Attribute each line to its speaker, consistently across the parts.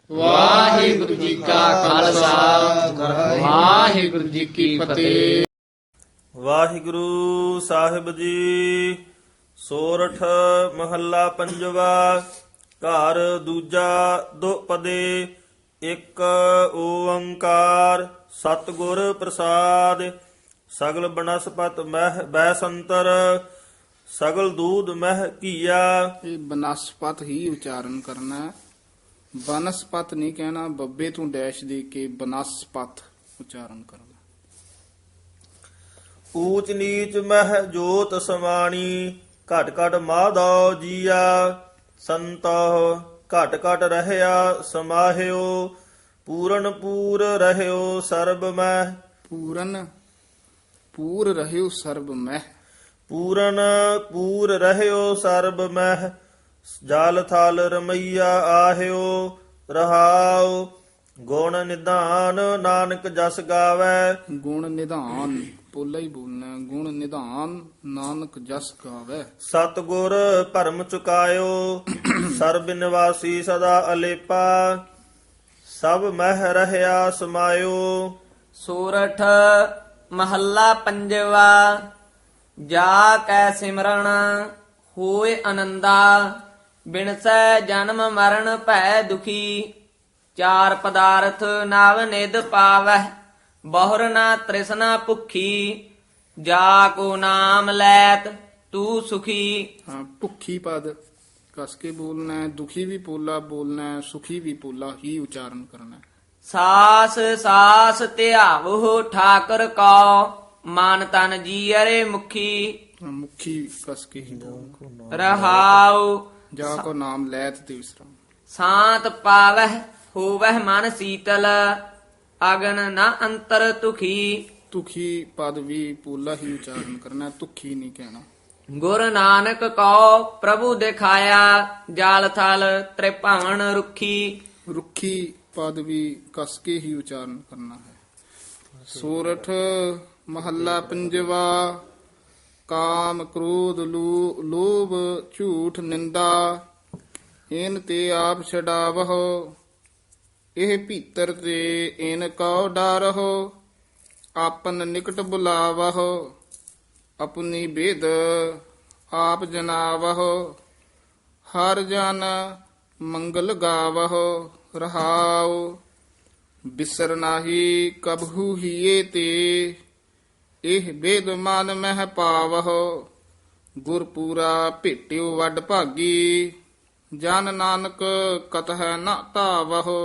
Speaker 1: ਵਾਹਿਗੁਰੂ ਜੀ ਕਾ ਖਾਲਸਾ ਵਾਹਿਗੁਰੂ ਜੀ ਕੀ ਫਤਿਹ।
Speaker 2: ਵਾਹਿਗੁਰੂ ਸਾਹਿਬ ਜੀ। ਸੋਰਠ ਮਹੱਲਾ ਪੰਜਵਾ। ਘਰ ਦੂਜਾ ਦੁਪਦੇ। ਇੱਕ ਓੰਕਾਰ ਸਤਿਗੁਰ ਪ੍ਰਸਾਦ। ਸਗਲ ਬਨਸਪਤ ਮਹਿ ਬੈਸੰਤਰ। ਸਗਲ ਦੂਧ ਮਹਿ ਕੀਆ।
Speaker 1: ਇਹ ਬਨਸਪਤ ਹੀ ਉਚਾਰਨ ਕਰਨਾ ਹੈ। ਬਨਸਪਤ ਨਹੀਂ ਕਹਿਣਾ, ਬੱਬੇ ਤੋਂ ਡੈਸ਼ ਦੇ ਕੇ ਬਨਸਪਤ ਉਚਾਰਨ ਕਰਨਾ।
Speaker 2: ਊਚ ਨੀਚ ਮਹਿ ਜੋਤ ਸਮਾਣੀ। ਘਟ ਘਟ ਮਾਧੋ ਜੀਆ। ਸੰਤੋ ਘਟ ਘਟ ਰਹਿਆ ਸਮਾਹਿਓ। ਪੂਰਨ ਪੂਰ ਰਹਿਓ ਸਰਬ ਮਹਿ।
Speaker 1: ਪੂਰਨ ਪੂਰ ਰਹਿਓ ਸਰਬ ਮਹਿ।
Speaker 2: ਪੂਰਨ ਪੂਰ ਰਹਿਓ ਸਰਬ ਮਹਿ। ਜਲ ਥਲ ਰਮਈਆ ਆਹਿਓ। ਰਹਾਉ ਗੁਣ ਨਿਧਾਨ ਨਾਨਕ ਜਸ ਗਾਵੈ।
Speaker 1: ਗੁਣ ਨਿਧਾਨ ਪੋਲਾ ਹੀ ਬੋਲਣਾ ਹੈ। ਗੁਣ ਨਿਧਾਨ ਨਾਨਕ ਜਸ ਗਾਵੈ।
Speaker 2: ਸਤਿਗੁਰ ਭਰਮ ਚੁਕਾਇਓ। ਸਰਬ ਨਿਵਾਸੀ ਸਦਾ ਅਲੇਪਾ। ਸਭ ਮਹਿ ਰਹਿਆ ਸਮਾਇਓ।
Speaker 3: ਸੂਰਠ ਮਹੱਲਾ ਪੰਜਵਾ। ਜਾ ਕੈ ਸਿਮਰਨ ਹੋਏ ਆਨੰਦਾ। ਬਿਨਸੈ ਜਨਮ ਮਰਨ ਭੈ ਦੁਖੀ। ਚਾਰ ਪਦਾਰਥ ਨਵ ਨਿਧ ਪਾਵੈ। ਬਹੁਰ ਨਾ ਤ੍ਰਿਸ਼ਨਾ ਭੁਖੀ। ਜਾ ਕੋ ਨਾਮ ਲੈਤ ਤੂੰ ਸੁਖੀ।
Speaker 1: ਹਾਂ, ਭੁੱਖੀ ਪਦ ਕਸ ਕੇ ਬੋਲਣਾ ਹੈ। ਦੁਖੀ ਵੀ ਪੋਲਾ ਬੋਲਣਾ ਹੈ, ਸੁਖੀ ਵੀ ਪੋਲਾ ਹੀ ਉਚਾਰਨ ਕਰਨਾ ਹੈ।
Speaker 3: ਸਾਸ ਸਾਸ ਧਿਆਵੋ ਠਾਕਰ ਕੋ। ਮਨ ਤਨ ਜੀਅਰੇ ਮੁਖੀ।
Speaker 1: ਹਾਂ, ਮੁਖੀ ਕਸ ਕੇ ਹੀ ਬੋਲਣਾ।
Speaker 3: ਰਹਾਉ
Speaker 1: ਜਾ ਕੋ ਨਾਮ ਲੈਤ ਤੇ ਵਿਸਰਾਮ।
Speaker 3: ਸ਼ਾਂਤ ਪਾਵਹਿ ਹੋਵਹਿ ਮਨ ਸੀਤਲ। ਅਗਨ ਨਾ ਅੰਤਰ ਤੁਖੀ।
Speaker 1: ਤੁਖੀ ਪਦ ਵੀ ਪੋਲਾ ਹੀ ਉਚਾਰਨ ਕਰਨਾ ਹੈ, ਤੁਖੀ ਨਹੀਂ ਕਹਿਣਾ।
Speaker 3: ਗੁਰ ਨਾਨਕ ਕੋ ਪ੍ਰਭੂ ਦਿਖਾਇਆ। ਜਾਲ ਥਲ ਤ੍ਰਿਭਵਨ ਰੁਖੀ।
Speaker 1: ਰੁੱਖੀ ਪਦ ਵੀ ਕਸ ਕੇ ਹੀ ਉਚਾਰਨ ਕਰਨਾ ਹੈ। ਸੂਰਠ ਮਹੱਲਾ ਪੰਜਵਾ। ਕਾਮ ਕ੍ਰੋਧ ਲੋਭ ਝੂਠ ਨਿੰਦਾ। ਇਨ ਤੇ ਆਪ ਛਡਾਵਹੁ। ਇਹ ਭੀਤਰ ਤੇ ਇਨ ਕਉ ਡਰਹੁ। ਆਪਨ ਨਿਕਟ ਬੁਲਾਵਹੁ। ਆਪਣੀ ਬੇਦ ਆਪ ਜਨਾਵਹੁ। ਹਰ ਜਨ ਮੰਗਲ ਗਾਵਹੁ। ਰਹਾਉ ਬਿਸਰ ਨਾਹੀ ਕਬਹੂ ਹੀਏ ਤੇ। ਇਹ ਬੇਦ ਮਨ ਮਹਿ ਪਾਵਹੁ। ਗੁਰਪੂਰਾ ਭੇਟਿਓ ਵੱਡ ਭਾਗੀ। ਜਨ ਨਾਨਕ ਕਤਹਿ ਨ ਧਾਵਹੁ।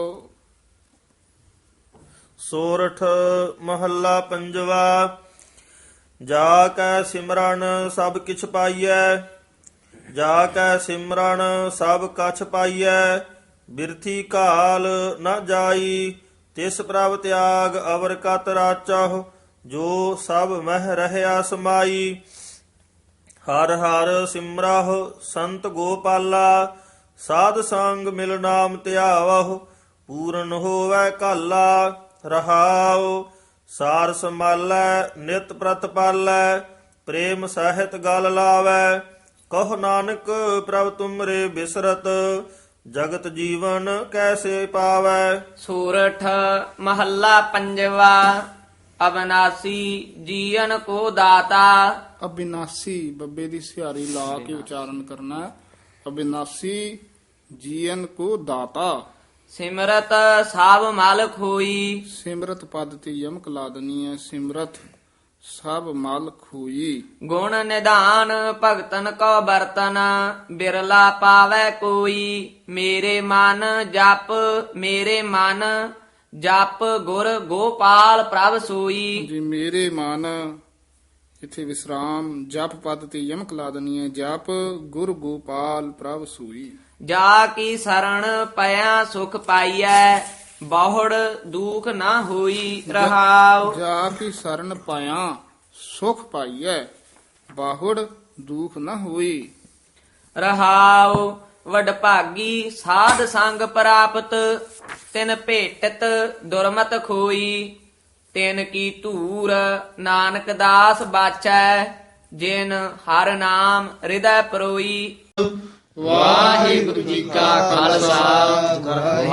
Speaker 2: ਸੋਰਠ ਮਹੱਲਾ ਪੰਜਵਾ। ਜਾ ਕੈ ਸਿਮਰਨ ਸਭ ਕਿਛ ਪਾਈਐ। ਜਾ ਕੈ ਸਿਮਰਨ ਸਭ ਕਛ ਪਾਈਐ। ਬਿਰਥੀ ਘਾਲ ਨ ਜਾਈ। ਤਿਸ ਪ੍ਰਭ ਤਿਆਗ ਅਵਰ ਕਤ ਰਾਚਹੁ। ਜੋ ਸਭ ਮਹਿ ਰਹਿਆ ਸਮਾਈ। ਹਰ ਹਰ ਸਿਮਰਾਹੁ ਸੰਤ ਗੋਪਾਲਾ। ਸਾਧ ਸੰਗ ਮਿਲ ਨਾਮ ਧਿਆਵਹੁ। ਪੂਰਨ ਹੋਵੈ ਕਾਲਾ। ਰਹਾਉ ਸਾਰ ਸੰਭਾਲੈ ਨਿਤ ਪ੍ਰਤਪਾਲੈ। ਪ੍ਰੇਮ ਸਹਿਤ ਗਲ ਲਾਵੈ। ਕਹੁ ਨਾਨਕ ਪ੍ਰਭ ਤੁਮਰੇ ਬਿਸਰਤ। ਜਗਤ ਜੀਵਨ ਕੈਸੇ ਪਾਵੈ।
Speaker 3: ਸੂਰਠ ਮਹੱਲਾ ਪੰਜਵਾ। ਅਬਨਾਸੀ ਜੀਵਨ ਕੋ ਦਾਤਾ।
Speaker 1: ਅਬਿਨਾਸੀ ਬੱਬੇ ਦੀ ਸਿਹਾਰੀ ਲਾ ਕੇ ਉਚਾਰਨ ਕਰਨਾ ਹੈ। ਅਬਿਨਾਸੀ ਜੀਵਨ ਕੋ ਦਾਤਾ।
Speaker 3: ਸਿਮਰਤ ਸਭ ਮਾਲਕ ਹੋਈ।
Speaker 1: ਸਿਮਰਤ ਪਦ ਤੇ ਯਮਕ ਲਾ ਦੇਣੀ ਹੈ। ਸਿਮਰਤ ਸਭ ਮਾਲਕ ਹੋਈ।
Speaker 3: ਗੁਣ ਨਿਧਾਨ ਭਗਤਨ ਕੋ ਬਰਤਨ। ਬਿਰਲਾ ਪਾਵੈ ਕੋਈ। ਮੇਰੇ ਮਨ ਜਪ ਮੇਰੇ ਮਨ ਜਪ ਗੁਰ ਗੋਪਾਲ ਪ੍ਰਭ ਸੋਈ।
Speaker 1: ਜੀ ਮੇਰੇ ਮਨ ਇੱਥੇ ਵਿਸਰਾਮ ਜਪ ਪਦ ਤੇ ਯਮਕ ਲਾ ਦੇਣੀ ਹੈ। ਜਪ ਗੁਰ ਗੋਪਾਲ ਪ੍ਰਭ ਸੂਈ।
Speaker 3: ਜਾ ਕੀ ਸਰਣ ਪਿਆ ਸੁਖ ਪਾਈਐ। ਬਹੁੜ ਦੁਖ ਨਾ ਹੋਈ। ਰਹਾਉ
Speaker 1: ਜਾ ਕੀ ਸਰਨ ਪਾਇਆ ਸੁਖ ਪਾਈਐ। ਬਾਹੁੜ ਦੁਖ ਨਾ ਹੋਈ।
Speaker 3: ਰਹਾਉ ਵਡਭਾਗੀ ਸਾਧ ਸੰਗ ਪ੍ਰਾਪਤ। ਤਿਨ ਭੇਟਤ ਦੁਰਮਤ ਖੋਈ। ਤਿਨ ਕੀ ਧੂਰ ਨਾਨਕ ਦਾਸ ਬਾਚੈ। ਜਿਨ ਹਰ ਨਾਮ ਹਿਰਦੈ ਪਰੋਈ।
Speaker 1: ਵਾਹਿਗੁਰੂ ਜੀ ਕਾ ਖਾਲਸਾ ਵਾਹਿਗੁਰੂ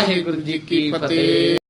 Speaker 1: ਵਾਹਿਗੁਰੂ ਜੀ ਕੀ ਫਤਿਹ।